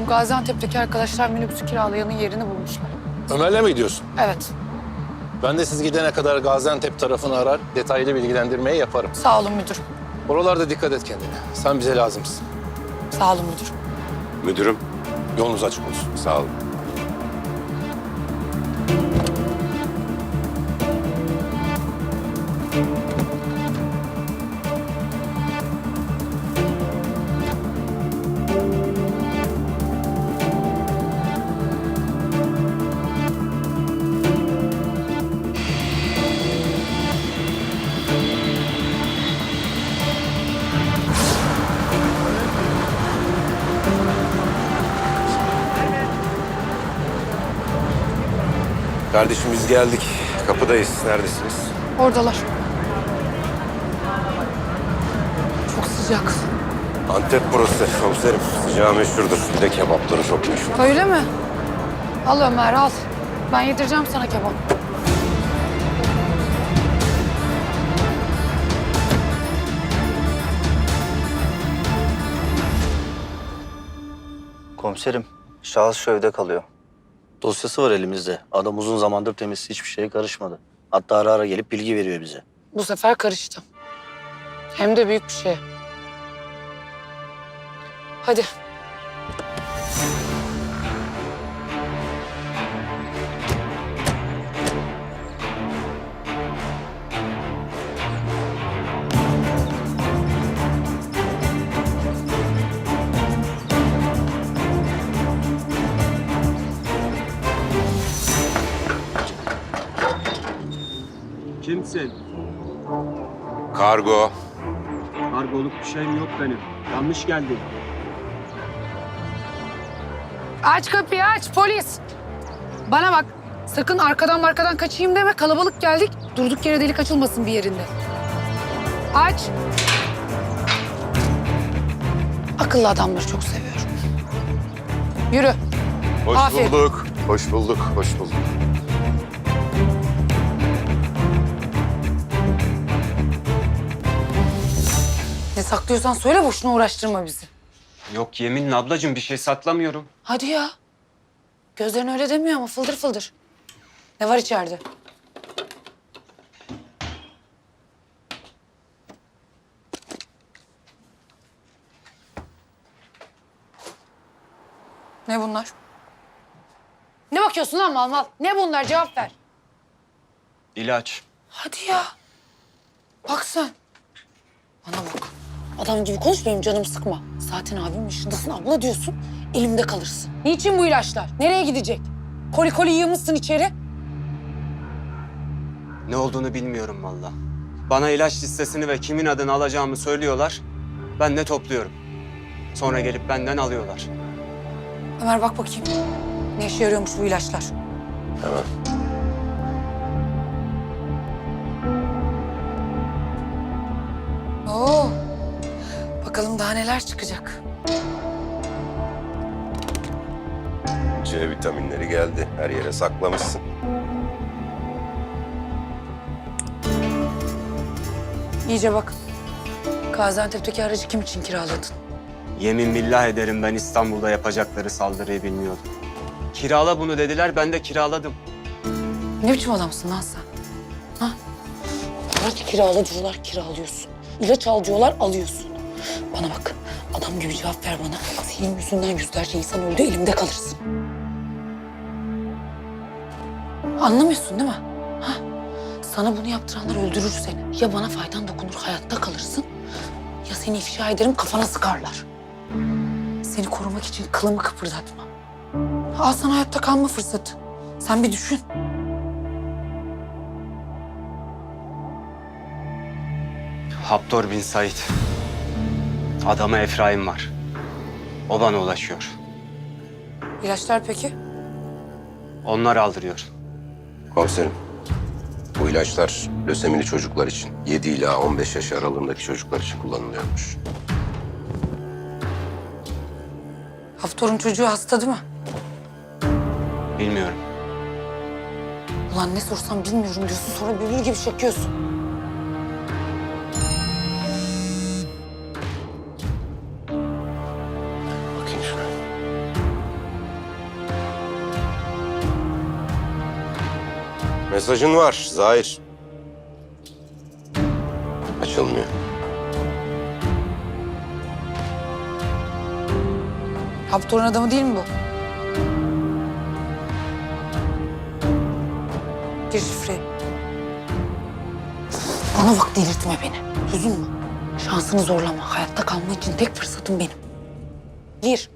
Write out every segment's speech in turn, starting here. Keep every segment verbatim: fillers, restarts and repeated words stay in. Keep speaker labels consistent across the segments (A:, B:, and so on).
A: Bu Gaziantep'teki arkadaşlar minibüsü kiralayanın yerini bulmuşlar.
B: Ömer'le mi gidiyorsun?
A: Evet.
B: Ben de siz gidene kadar Gaziantep tarafını arar, detaylı bilgilendirmeyi yaparım.
A: Sağ olun müdürüm.
B: Oralarda dikkat et kendine. Sen bize lazımsın.
A: Sağ olun müdürüm.
B: Müdürüm, yolunuz açık olsun. Sağ olun.
C: Kardeşim biz geldik. Kapıdayız. Neredesiniz?
A: Oradalar. Çok sıcak.
C: Antep burası komiserim. Sıcağı meşhurdur. Bir de kebapları çok meşhur.
A: Öyle mi? Al Ömer al. Ben yedireceğim sana kebap.
D: Komiserim, şahıs şu evde kalıyor.
E: Dosyası var elimizde. Adam uzun zamandır temiz, hiçbir şeye karışmadı. Hatta ara ara gelip bilgi veriyor bize.
A: Bu sefer karıştı. Hem de büyük bir şey. Hadi.
F: Kimsin?
C: Kargo.
F: Kargoluk bir şeyim yok benim. Yanlış geldin.
A: Aç kapıyı aç polis. Bana bak. Sakın arkadan arkadan kaçayım deme. Kalabalık geldik. Durduk yere delik açılmasın bir yerinde. Aç. Akıllı adamları çok seviyorum. Yürü.
C: Hoş
A: Aferin.
C: bulduk. Hoş bulduk. Hoş bulduk.
A: Ne saklıyorsan söyle, boşuna uğraştırma bizi.
F: Yok yeminle ablacığım bir şey saklamıyorum.
A: Hadi ya. Gözlerin öyle demiyor ama fıldır fıldır. Ne var içeride? Ne bunlar? Ne bakıyorsun lan mal mal? Ne bunlar? Cevap ver.
F: İlaç.
A: Hadi ya. Bak sen. Bana bak. Adam gibi konuş, benim canımı sıkma. Zaten abimin yaşındasın, abla diyorsun. Elimde kalırsın. Niçin bu ilaçlar? Nereye gidecek? Koli koli yığmışsın içeri.
F: Ne olduğunu bilmiyorum valla. Bana ilaç listesini ve kimin adını alacağımı söylüyorlar. Ben de topluyorum. Sonra gelip benden alıyorlar.
A: Ömer bak bakayım. Ne işe yarıyormuş bu ilaçlar?
C: Hemen.
A: Oo. Bakalım daha neler çıkacak.
C: C vitaminleri geldi. Her yere saklamışsın.
A: İyice bak. Gaziantep'teki aracı kim için kiraladın?
F: Yemin billah ederim ben İstanbul'da yapacakları saldırıyı bilmiyordum. Kirala bunu dediler, ben de kiraladım.
A: Ne biçim adamsın lan sen? Ha? Araç kirala diyorlar, kiralıyorsun. İlaç al diyorlar, alıyorsun. Bana bak, adam gibi cevap ver bana. Senin yüzünden yüzlerce insan öldü, elimde kalırsın. Anlamıyorsun değil mi? Ha? Sana bunu yaptıranlar öldürür seni. Ya bana faydan dokunur, hayatta kalırsın. Ya seni ifşa ederim, kafana sıkarlar. Seni korumak için kılımı kıpırdatma. Al sana hayatta kalma fırsatı. Sen bir düşün.
F: Haptor bin Said. Adama Efraim var. O bana ulaşıyor.
A: İlaçlar peki?
F: Onlar aldırıyor.
C: Komiserim. Bu ilaçlar lösemili çocuklar için. yedi ila on beş yaş aralığındaki çocuklar için kullanılıyormuş.
A: Haftor'un çocuğu hasta değil mi?
F: Bilmiyorum.
A: Ulan ne sorsam bilmiyorum diyorsun, sonra bülbül gibi çekiyorsun.
C: Bakayım şuna. Mesajın var Zahir. Açılmıyor.
A: Haptor'un adamı değil mi bu? Gir şifreyi. Bana bak, delirtme beni. Duydun mu? Şansını zorlama. Hayatta kalma için tek fırsatım benim. Gir.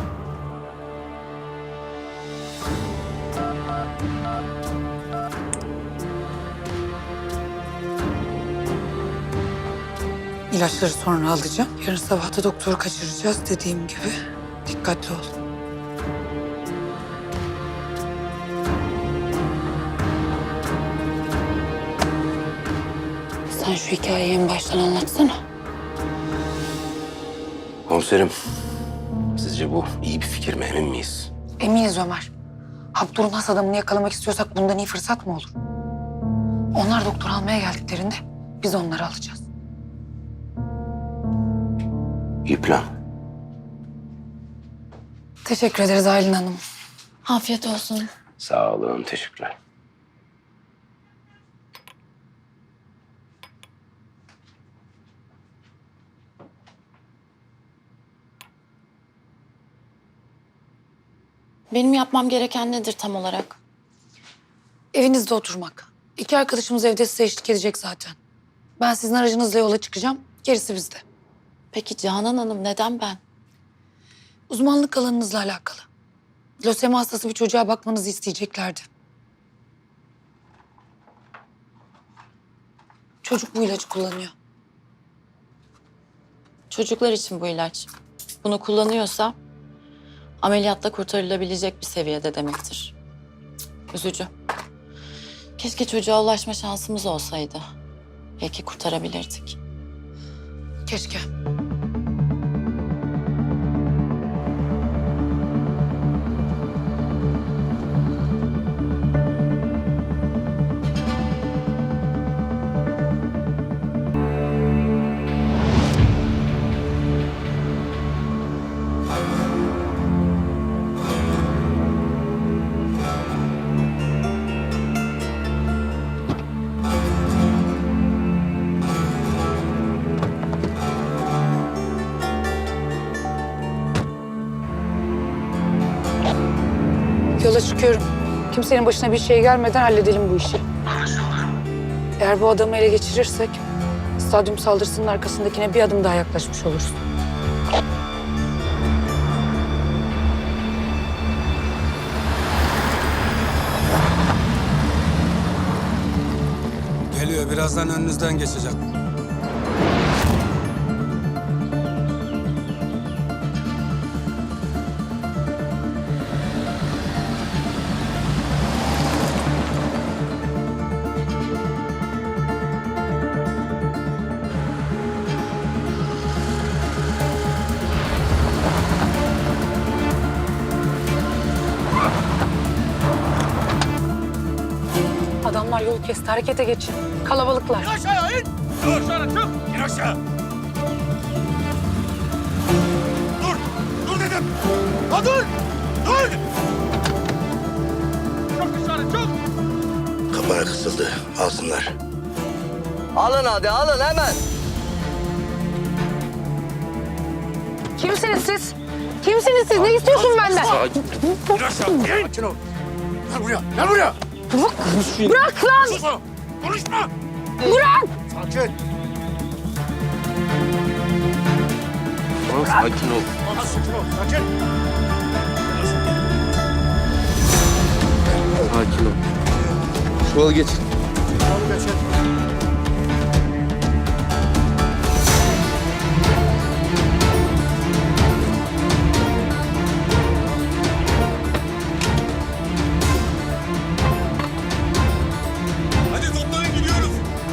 A: İlaçları sonra alacağım. Yarın sabah da doktoru kaçıracağız dediğim gibi. Dikkatli ol. Sen şu hikayeyi en baştan anlatsana.
C: Komiserim, sizce bu iyi bir fikir mi, emin miyiz?
A: Eminiz Ömer. Haptor'un has adamını yakalamak istiyorsak bundan iyi fırsat mı olur? Onlar doktor almaya geldiklerinde biz onları alacağız.
C: İyi plan.
A: Teşekkür ederiz Aylin Hanım.
G: Afiyet olsun.
C: Sağ olun, teşekkürler.
G: Benim yapmam gereken nedir tam olarak?
A: Evinizde oturmak. İki arkadaşımız evde size eşlik edecek zaten. Ben sizin aracınızla yola çıkacağım. Gerisi bizde.
G: Peki Canan Hanım neden ben?
A: Uzmanlık alanınızla alakalı. Lösemi hastası bir çocuğa bakmanızı isteyeceklerdi. Çocuk bu ilacı kullanıyor.
G: Çocuklar için bu ilaç. Bunu kullanıyorsa ameliyatla kurtarılabilecek bir seviyede demektir. Cık, üzücü. Keşke çocuğa ulaşma şansımız olsaydı. Belki kurtarabilirdik.
A: Keşke. Yola çıkıyorum. Kimsenin başına bir şey gelmeden halledelim bu işi. Eğer bu adamı ele geçirirsek stadyum saldırısının arkasındakine bir adım daha yaklaşmış oluruz.
H: Geliyor. Birazdan önünüzden geçecek.
A: Adamlar yol kesti. Harekete geçin. Kalabalıklar.
H: Aşağı in! Dur sana çık! İn aşağı! Dur! Dur dedim! Ha dur! Dur! Çok dışarı çok!
I: Kapana kısıldı. Alsınlar.
D: Alın hadi alın hemen.
A: Kimsiniz siz? Kimsiniz siz? Ne istiyorsun benden?
H: İn aşağı! İn! Sakin ol! Gel buraya! Gel buraya!
A: Bırak, bırak lan!
H: Sus o! Konuşma!
A: Bırak!
H: Sakin!
C: Tamam, sakin ol.
H: Sakin ol! Sakin!
C: Sakin ol. Şu yolu geç.
H: Yolu geçin. Hadi toplanın gidiyoruz.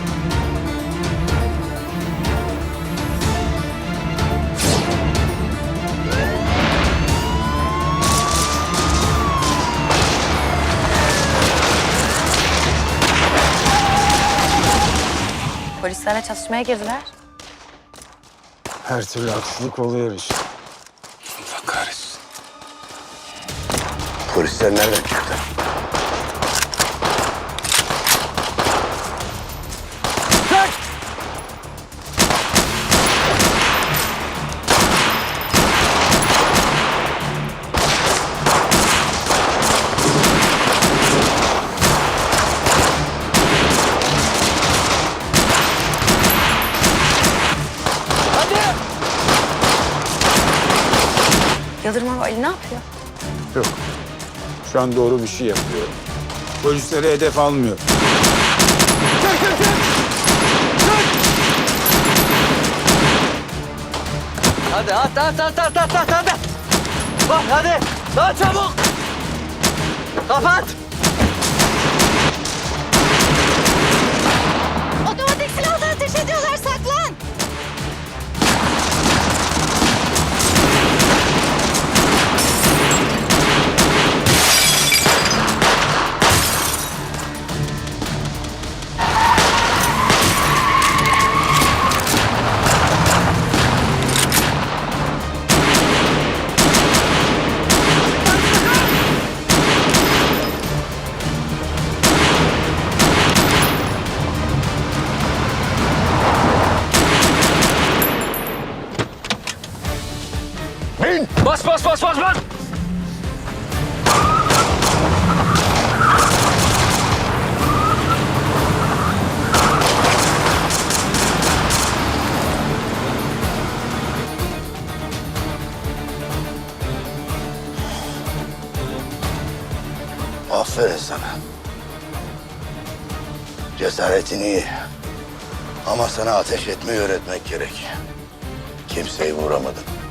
G: Polislerle çatışmaya girdiler.
H: Her türlü aksilik oluyor işte.
C: Allah kahretsin. Polisler nereden çıktı?
A: Yıldırım Ali ne yapıyor?
H: Yok. Şu an doğru bir şey yapıyor. Polisleri hedef almıyor.
D: Hadi at at at at at at hadi. Bak hadi. Daha çabuk. Kapat.
G: Otomatik silahla ateş ediyorlar, saklan!
D: Bas bas bas bas bas.
I: Aferin sana. Cesaretin iyi. Ama sana ateş etmeyi öğretmek gerek. Kimseyi vuramadın.